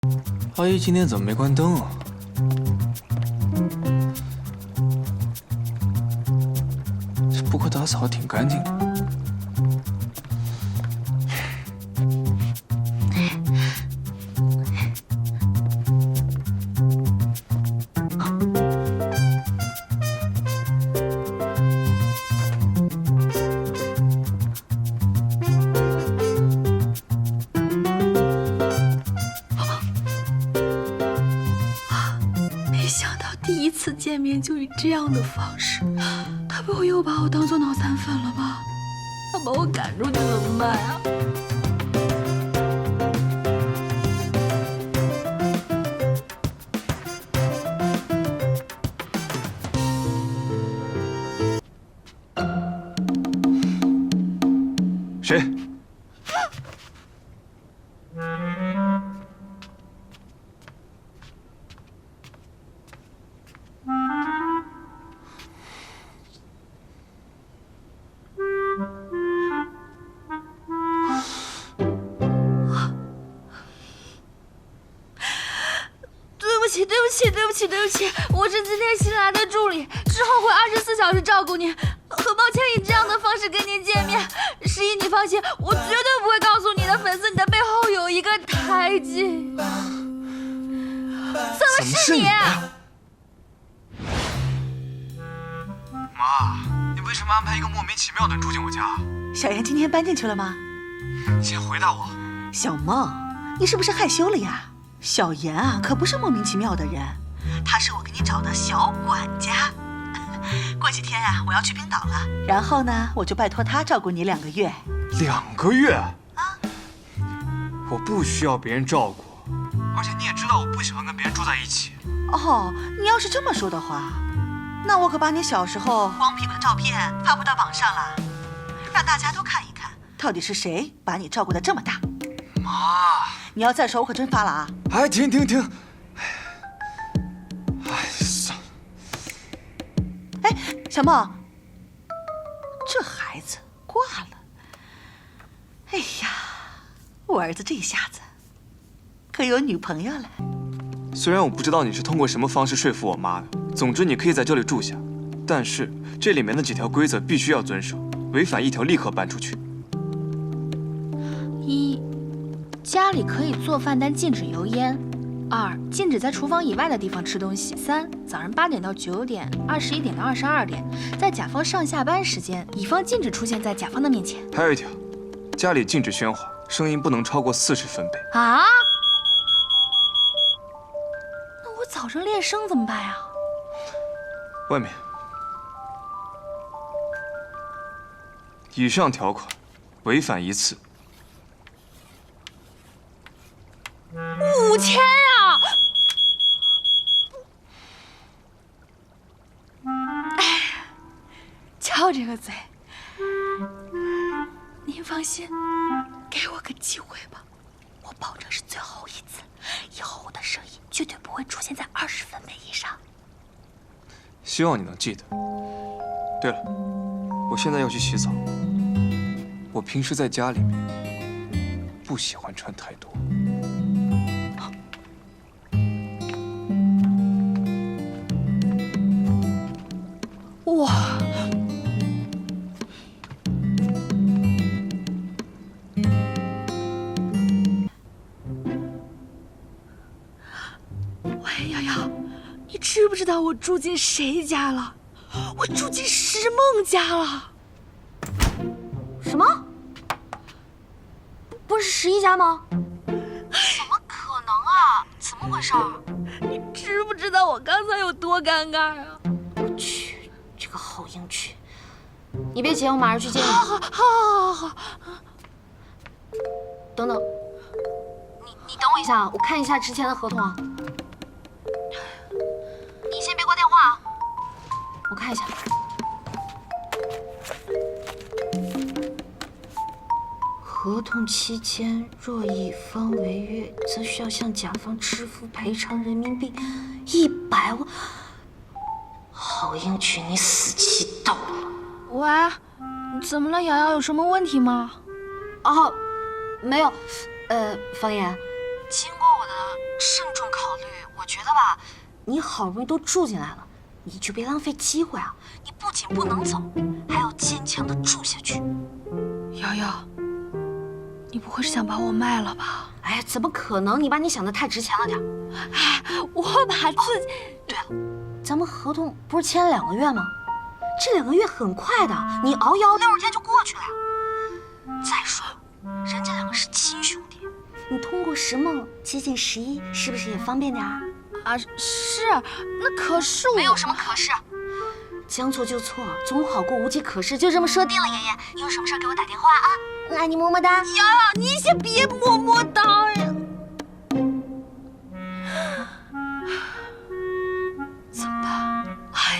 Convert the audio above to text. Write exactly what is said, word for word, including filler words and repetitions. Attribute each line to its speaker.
Speaker 1: 阿姨今天怎么没关灯啊？这不过打扫得挺干净的。
Speaker 2: 第一次见面就以这样的方式，他不会又把我当做脑残粉了吧？他把我赶出去怎么办啊？
Speaker 1: 谁？
Speaker 2: 对不起，对不起，对不起，我是今天新来的助理，之后会二十四小时照顾您。很抱歉以这样的方式跟您见面，十一你放心，我绝对不会告诉你的粉丝你的背后有一个胎记。怎么是你？
Speaker 1: 妈，你为什么安排一个莫名其妙的人住进我家？
Speaker 3: 小妍今天搬进去了吗？
Speaker 1: 你先回答我。
Speaker 3: 小梦，你是不是害羞了呀？ 小妍啊，可不是莫名其妙的人，她是我给你找的小管家。过几天啊，我要去冰岛了，然后呢，我就拜托她照顾你两个月。
Speaker 1: 两个月？
Speaker 3: 啊？
Speaker 1: 我不需要别人照顾，而且你也知道我不喜欢跟别人住在一起。
Speaker 3: 哦，你要是这么说的话，那我可把你小时候光屁股的照片发布到网上了，让大家都看一看，到底是谁把你照顾得这么大。
Speaker 1: 妈。
Speaker 3: 你要再说，我可真发了啊！
Speaker 1: 哎，停停停！哎，算了。
Speaker 3: 哎，小梦，这孩子挂了。哎呀，我儿子这下子可有女朋友了。
Speaker 1: 虽然我不知道你是通过什么方式说服我妈的，总之你可以在这里住下，但是这里面的几条规则必须要遵守，违反一条立刻搬出去。
Speaker 2: 一。 家里可以做饭，但禁止油烟。二，禁止在厨房以外的地方吃东西。三，早上八点到九点，二十一点到二十二点，在甲方上下班时间，乙方禁止出现在甲方的面前。
Speaker 1: 还有一条，家里禁止喧哗，声音不能超过四十分贝。
Speaker 2: 啊？那我早上练声怎么办呀？
Speaker 1: 外面。以上条款，违反一次。
Speaker 2: 五千啊！哎，翘这个嘴，您放心，给我个机会吧，我保证是最后一次，以后我的声音绝对不会出现在二十分贝以上。
Speaker 1: 希望你能记得。对了，我现在要去洗澡，我平时在家里面不喜欢穿太多。
Speaker 2: 哇！喂，瑶瑶，你知不知道我住进谁家了？我住进石梦家了。
Speaker 4: 什么？不是十一家吗？
Speaker 2: 怎么可能啊？怎么回事？你知不知道我刚才有多尴尬啊？
Speaker 4: 我去。 这个好英曲，你别急，我马上去接你。
Speaker 2: 好，好，好，好，好。
Speaker 4: 等等，你你等我一下，我看一下之前的合同啊。你先别挂电话啊，我看一下。合同期间，若乙方违约，则需要向甲方支付赔偿人民币一百万。 好英曲，你死期到了。
Speaker 2: 喂，怎么了？瑶瑶有什么问题吗？
Speaker 4: 哦，没有。呃，方言，经过我的我觉得吧，你好不容易都住进来了，你就别浪费机会啊！你不仅不能走，还要坚强的住下去。
Speaker 2: 瑶瑶，你不会是想把我卖了吧？
Speaker 4: 哎，怎么可能？你把你想的太值钱了点。
Speaker 2: 哎，我把自己……
Speaker 4: 对了，咱们合同不是签了两个月吗？这两个月很快的，你熬一熬，六十天就过去了呀。再说，人家两个是亲兄弟，你通过石梦接近十一，是不是也方便点啊？
Speaker 2: 啊，是，那可是我
Speaker 4: 没有什么可是，将错就错，总好过无计可施。就这么说定了，爷爷，你有什么事给我打电话啊？爱你么么哒。
Speaker 2: 瑶瑶，你先别么么哒